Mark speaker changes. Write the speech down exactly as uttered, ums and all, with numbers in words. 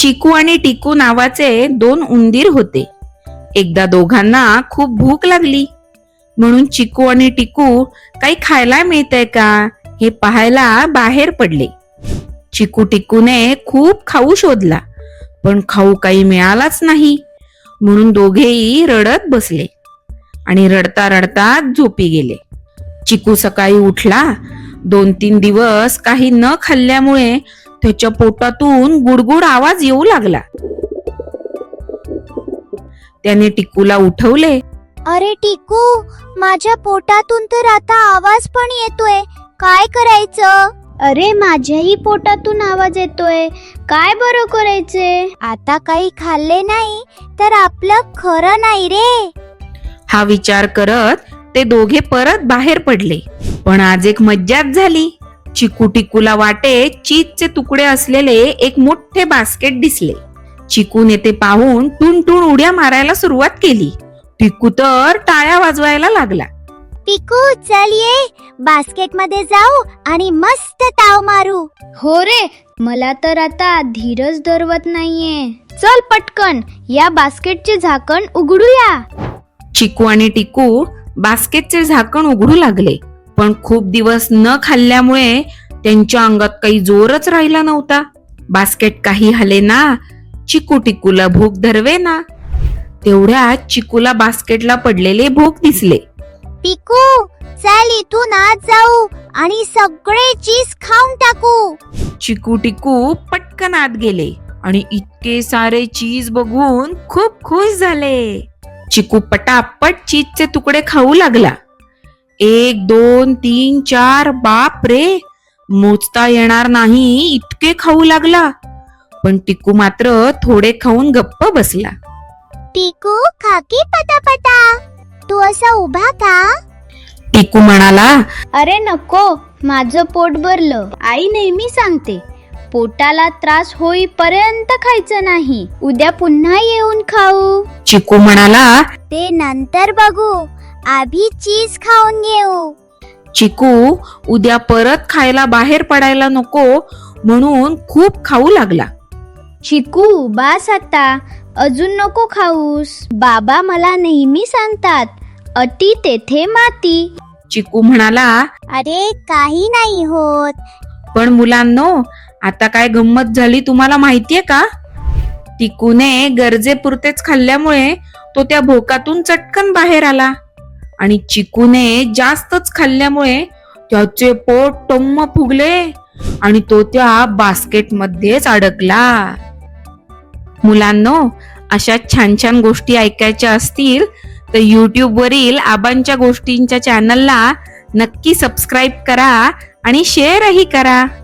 Speaker 1: चिकू आणि टिकू नावाचे दोन उंदीर होते. एकदा दोघांना खूप भूक लागली, म्हणून चिकू आणि टिकू काही खायला मिळतंय का हे पाहायला बाहेर पडले. चिकू टिकूने खूप खाऊ शोधला, पण खाऊ काही मिळालाच नाही. म्हणून दोघेही रडत बसले आणि रडता रडता झोपी गेले. चिकू सकाळी उठला. दोन तीन दिवस काही न खाल्ल्यामुळे त्याच्या पोटातून गुडगुड आवाज येऊ लागला. त्याने टिकूला उठवले.
Speaker 2: अरे टिकू, माझ्या पोटातून तर आता आवाज पण येतोय, काय करायचं? अरे माझ्याही पोटातून आवाज येतोय, काय बरं करायचे? आता काही खाल्ले नाही तर आपलं खरं नाही रे.
Speaker 1: हा विचार करत ते दोघे परत बाहेर पडले. पण आज एक मज्जाच झाली. चिकू टिकूला वाटे चीजचे तुकडे असलेले एक मोठे बास्केट दिसले. चिकूने ते पाहून टून टून उड्या मारायला सुरुवात केली. टिकू तर टाळ्या वाजवायला लागला.
Speaker 2: टिकू चल ये, बास्केट मध्ये जाऊ आणि मस्त ताव मारू.
Speaker 3: हो रे, मला तर आता धीरच धरवत नाहीये. चल पटकन या बास्केटचे झाकण उघडूया.
Speaker 1: चिकू आणि टिकू बास्केटचे झाकण उघडू लागले, पण खूप दिवस न खाल्ल्यामुळे त्यांच्या अंगात काही जोरच राहिला नव्हता. बास्केट काही हलेना. चिकू टिकूला भूक धरवेना. तेवढ्यात चिकूला बास्केटला पडलेले भूक दिसले.
Speaker 2: टिकू चल इथून आत जाऊ आणि सगळे चीज खाऊन टाकू.
Speaker 1: चिकू टिकू पटकन आत गेले आणि इतके सारे चीज बघून खूप खुश झाले. चिकू पटापट चीजचे तुकडे खाऊ लागला. एक दोन तीन चार, बाप रे, मोजता येणार नाही इतके खाऊ लागला. पण टिकू मात्र थोडे खाऊन गप्प बसला.
Speaker 2: टिकू खाकी पटापटा, तू असा उभा का?
Speaker 1: टिकू म्हणाला,
Speaker 3: अरे नको, माझं पोट भरलं. आई नेहमी सांगते, पोटाला त्रास होईपर्यंत खायचं नाही, उद्या पुन्हा येऊन खाऊ.
Speaker 1: चिकू म्हणाला,
Speaker 2: ते नंतर बघू, आधी चीज खाऊन घेऊ.
Speaker 1: चिकू उद्या परत खायला बाहेर पडायला नको म्हणून खूप खाऊ लागला.
Speaker 3: चिकू बास आता, अजून नको खाऊस. बाबा मला नेहमी सांगतात, अति तेथे माती.
Speaker 1: चिकू म्हणाला,
Speaker 2: अरे काही नाही होत.
Speaker 1: पण मुलांनो, आता काय गंमत झाली तुम्हाला माहितीये का? टिकूने गरजेपुरतेच खाल्ल्यामुळे तो त्या भोकातून चटकन बाहेर आला आणि चिकूने जास्तच खाल्ल्यामुळे त्याचे पोट टम्म फुगले आणि तो त्या बास्केट मध्येच अडकला. मुलांनो, अशा छान छान गोष्टी ऐकायच्या असतील तर युट्यूब वरील आबांच्या गोष्टींच्या चॅनलला नक्की सबस्क्राईब करा आणि शेअरही करा.